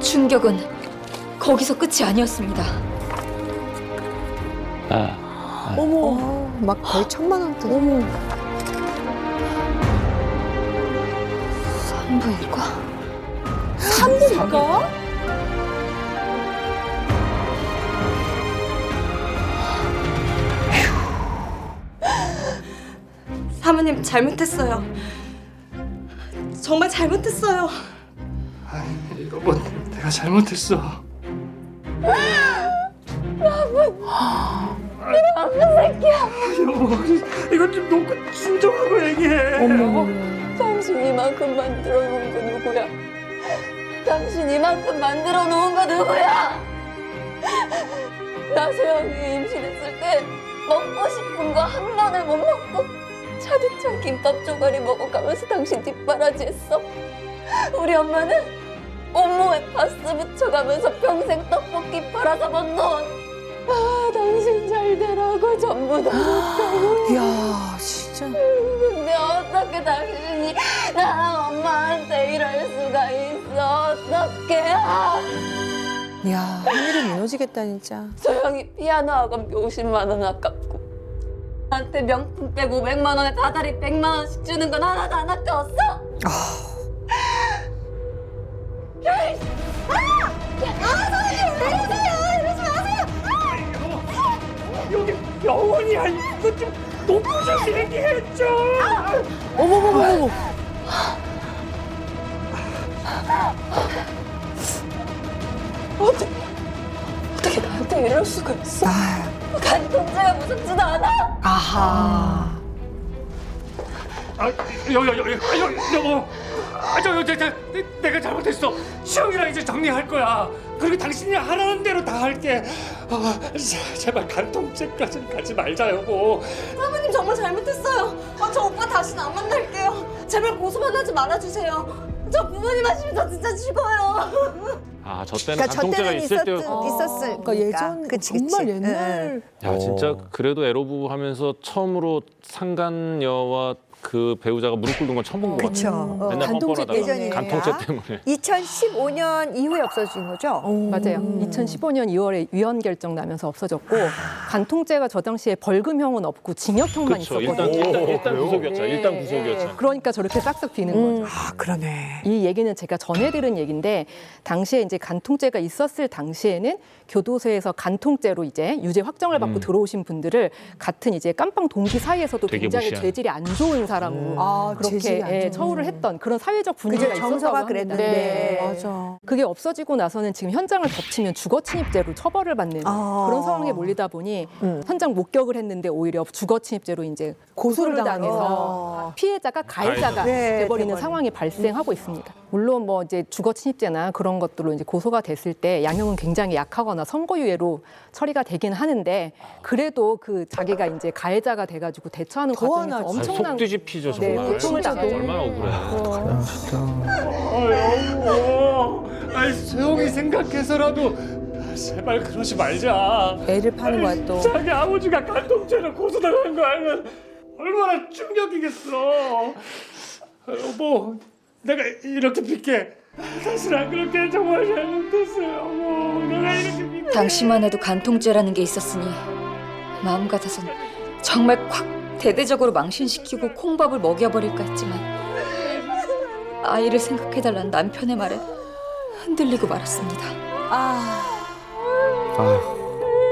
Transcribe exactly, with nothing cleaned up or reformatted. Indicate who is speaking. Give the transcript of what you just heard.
Speaker 1: 충격은 거기서 끝이 아니었습니다.
Speaker 2: 아,
Speaker 3: 어머, 막 거의 천만 원대. 어머.
Speaker 1: 산부인과?
Speaker 3: 산부인과?
Speaker 4: 사모님 잘못했어요. 정말 잘못했어요.
Speaker 2: 아이, 여보, 내가 잘못했어.
Speaker 4: 나쁜 새끼야.
Speaker 2: 여보, 이거 좀 놓고 진정하고 얘기해.
Speaker 3: 어머.
Speaker 4: 당신 이만큼 만들어 놓은 거 누구야? 당신 이만큼 만들어 놓은 거 누구야? 나 소영이 임신했을 때 먹고 싶은 거 한 번을 못 먹고 차디찬 김밥 조가리 먹어가면서 당신 뒷바라지했어. 우리 엄마는 온몸에 파스 붙여가면서 평생 떡볶이 팔아서 번 돈. 아, 당신 잘 되라고 전부 다 줬다고.
Speaker 3: 이야, 진짜.
Speaker 4: 근데 어떻게 당신이 나랑 엄마한테 이럴 수가 있어? 어떡해? 아,
Speaker 3: 이야, 하늘이 무너지겠다, 진짜.
Speaker 4: 소영이 피아노 학원 오십만 원 아깝고 나한테 명품 백 오백만 원에 다달이 백만 원씩 주는 건 하나도 안 아까웠어?
Speaker 2: 여기 병원이야. 이거 좀 놓고 좀 얘기해줘.
Speaker 3: 어머머머머.
Speaker 4: 어떻게 어떻게 나한테 이럴 수가 있어?
Speaker 3: 아,
Speaker 4: 간통죄가 무섭지도 않아?
Speaker 3: 아하.
Speaker 2: 아, 여, 여, 여, 여, 여, 여보. 아, 저, 저, 저, 내, 내가 잘못했어. 시영이랑 이제 정리할 거야. 그리고 당신이 하라는 대로 다 할게. 아, 제- 제발 간통죄까지는 가지 말자, 여보.
Speaker 4: 사모님 정말 잘못했어요. 아, 저 오빠 다시는 안 만날게요. 제발 고소만 하지 말아주세요. 저 부모님 하시면 저 진짜 죽어요.
Speaker 5: 아, 저 때는
Speaker 6: 그러니까 저
Speaker 5: 간통죄가
Speaker 6: 때는
Speaker 5: 있을
Speaker 6: 있었,
Speaker 5: 때.
Speaker 6: 있었을
Speaker 3: 그러니까 예전
Speaker 6: 그치,
Speaker 3: 정말
Speaker 6: 그치.
Speaker 3: 옛날.
Speaker 5: 야, 진짜 그래도 에로부부 하면서 처음으로 상간녀와 그 배우자가 무릎 꿇는 건 처음 본 것 같아요.
Speaker 6: 그쵸. 어,
Speaker 5: 맨날
Speaker 3: 간통죄
Speaker 5: 뻔뻔하다가
Speaker 6: 예전이니까.
Speaker 5: 간통죄 때문에.
Speaker 6: 이천십오 년 이후에 없어진 거죠?
Speaker 7: 맞아요. 이천십오 년 이월에 위헌 결정 나면서 없어졌고 간통죄가 저 당시에 벌금형은 없고 징역형만
Speaker 5: 그렇죠. 일단
Speaker 7: 있었거든요.
Speaker 5: 일단 일단 구속이었잖아.
Speaker 7: 네,
Speaker 5: 일단
Speaker 7: 네.
Speaker 5: 구속이었잖아.
Speaker 7: 그러니까 저렇게 싹싹 비는 거죠.
Speaker 3: 아, 그러네.
Speaker 7: 이 얘기는 제가 전해 들은 얘기인데 당시에 이제 간통죄가 있었을 당시에는 교도소에서 간통죄로 이제 유죄 확정을 받고
Speaker 5: 음.
Speaker 7: 들어오신 분들을 같은 이제 깜빵 동기 사이에서도
Speaker 5: 되게
Speaker 7: 굉장히
Speaker 5: 무시하는.
Speaker 7: 죄질이 안 좋은 사람으로
Speaker 3: 아,
Speaker 7: 그렇게
Speaker 3: 재질이 안
Speaker 7: 예,
Speaker 3: 좋은.
Speaker 7: 처우를 했던 그런 사회적 분위기가
Speaker 6: 그죠,
Speaker 7: 있었다고
Speaker 6: 정서가
Speaker 7: 합니다.
Speaker 6: 그랬는데.
Speaker 7: 네.
Speaker 3: 맞아.
Speaker 7: 그게 없어지고 나서는 지금 현장을 덮치면 주거 침입죄로 처벌을 받는
Speaker 6: 아.
Speaker 7: 그런 상황에 몰리다 보니
Speaker 3: 음.
Speaker 7: 현장 목격을 했는데 오히려 주거 침입죄로 이제 고소를
Speaker 3: 고소를
Speaker 7: 당해서
Speaker 3: 당해서.
Speaker 7: 피해자가 가해자가
Speaker 6: 네,
Speaker 7: 돼버리는
Speaker 6: 돼버리는.
Speaker 7: 상황이 발생하고 있습니다. 물론 뭐 이제 주거 침입죄나 그런 것들로 이제 고소가 됐을 때 양형은 굉장히 약하거나 선고유예로 처리가 되긴 하는데 그래도 그 자기가 이제 가해자가 돼가지고 대처하는
Speaker 3: 더
Speaker 7: 과정에서
Speaker 3: 화나지.
Speaker 5: 아, 속
Speaker 7: 엄청난
Speaker 5: 뒤집히죠,
Speaker 7: 네,
Speaker 5: 정말.
Speaker 7: 고통을 당해요.
Speaker 5: 얼마나 억울해.
Speaker 2: 아, 여보. 아이, 소영이 생각해서라도 제발 그러지 말자.
Speaker 3: 애를 파는 거야, 또.
Speaker 2: 자기 아버지가 간통죄로 고소당한 거 알면 얼마나 충격이겠어. 아, 여보, 내가 이렇게 빚게. 다시는 안 그렇게 정말 잘못했어요. 여보, 내가 이렇게 빚게.
Speaker 1: 당시만 해도 간통죄라는 게 있었으니 마음 같아선 정말 콱 대대적으로 망신시키고 콩밥을 먹여버릴까 했지만 아이를 생각해달라는 남편의 말에 흔들리고 말았습니다.
Speaker 3: 아.
Speaker 5: 아휴.